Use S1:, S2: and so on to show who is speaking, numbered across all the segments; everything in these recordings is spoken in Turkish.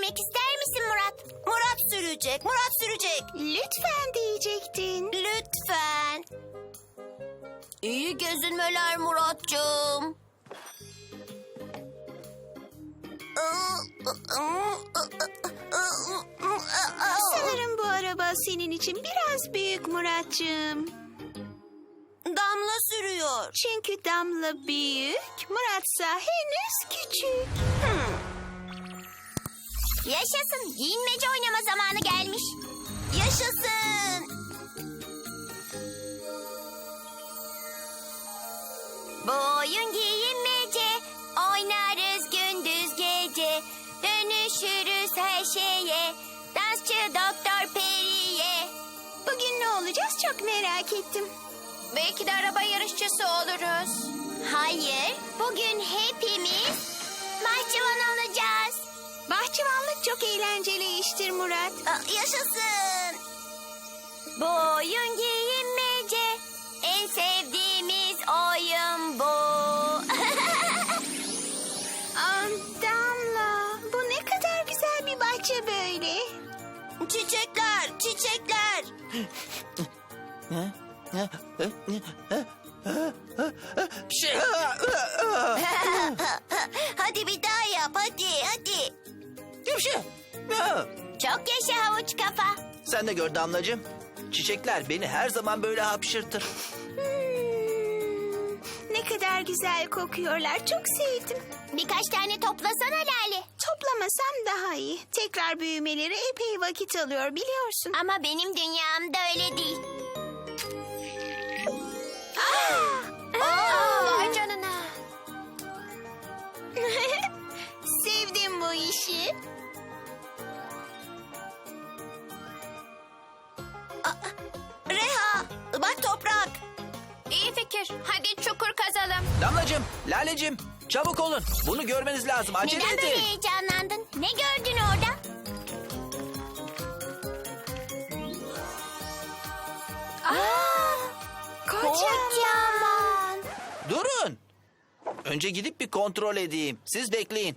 S1: sürmek ister misin Murat? Murat sürecek, Murat sürecek.
S2: Lütfen diyecektin.
S1: Lütfen. İyi gezinmeler Muratcığım.
S2: Sanırım bu araba senin için biraz büyük Muratcığım.
S1: Damla sürüyor.
S2: Çünkü Damla büyük, Muratsa henüz küçük.
S1: Yaşasın. Giyinmece oynama zamanı gelmiş. Yaşasın. Bu oyun giyinmece. Oynarız gündüz gece. Dönüşürüz her şeye. Dansçı Doktor Peri'ye.
S2: Bugün ne olacağız çok merak ettim.
S1: Belki de araba yarışçısı oluruz. Hayır. Bugün hepimiz bahçıvan olacağız.
S2: Bahçıvanlık çok eğlenceli iştir Murat.
S1: Yaşasın. Bu oyun giyinmece. En sevdiğimiz oyun bu.
S2: Damla, bu ne kadar güzel bir bahçe böyle.
S1: Çiçekler, çiçekler. Hadi bir daha yap, hadi. Çok yaşa havuç kafa.
S3: Sen de gör Damlacığım. Çiçekler beni her zaman böyle hapşırtır.
S2: Ne kadar güzel kokuyorlar, çok sevdim.
S1: Birkaç tane toplasana Lale.
S2: Toplamasam daha iyi. Tekrar büyümeleri epey vakit alıyor biliyorsun.
S1: Ama benim dünyamda öyle değil. Vay canına.
S2: Sevdim bu işi.
S1: Reha, bak toprak. İyi fikir. Hadi çukur kazalım.
S3: Damlacığım, Lalecığım çabuk olun. Bunu görmeniz lazım. Acele
S1: Neden böyle
S3: edin.
S1: heyecanlandın? Ne gördün orada? Kocaman.
S3: Durun. Önce gidip bir kontrol edeyim. Siz bekleyin.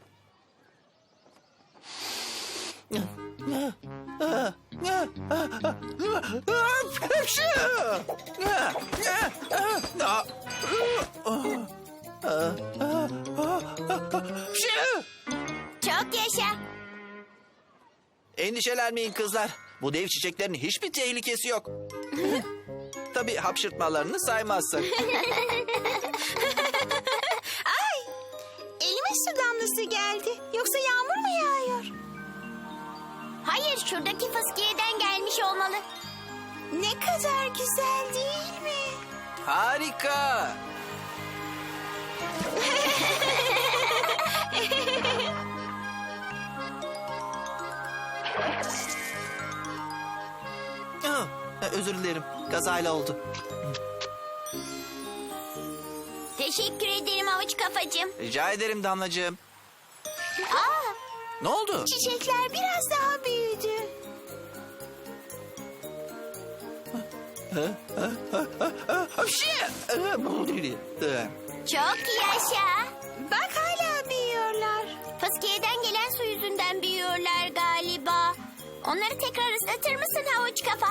S1: Çok yaşa.
S3: Endişelenmeyin kızlar. Bu dev çiçeklerin hiçbir tehlikesi yok. Tabii hapşırtmalarını saymazsak.
S2: Elime su damlası geldi. Yoksa yağmur mu yağıyor?
S1: Hayır, şuradaki fıskiyeden gelmiş olmalı.
S2: Ne kadar güzel değil mi?
S3: Harika. Oh, özür dilerim. Kazayla oldu.
S1: Teşekkür ederim havuç kafacığım.
S3: Rica ederim Damlacığım.
S1: Aa,
S3: Ne oldu?
S2: Çiçekler biraz daha büyüdü.
S1: çok yaşa.
S2: Bak hala büyüyorlar.
S1: Fıskiyeden gelen su yüzünden büyüyorlar galiba. Onları tekrar ıslatır mısın havuç kafa?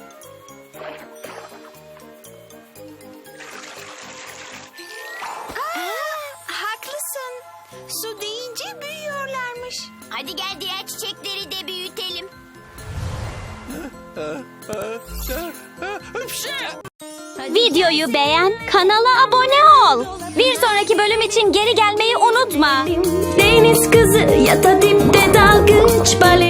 S2: Haklısın. Su deyince büyüyorlarmış.
S1: Hadi gel diğer çiçekleri de büyütelim.
S4: Videoyu beğen, kanala abone ol. Bir sonraki bölüm için geri gelmeyi unutma.
S5: Deniz kızı ya da dipte dalgıç balet.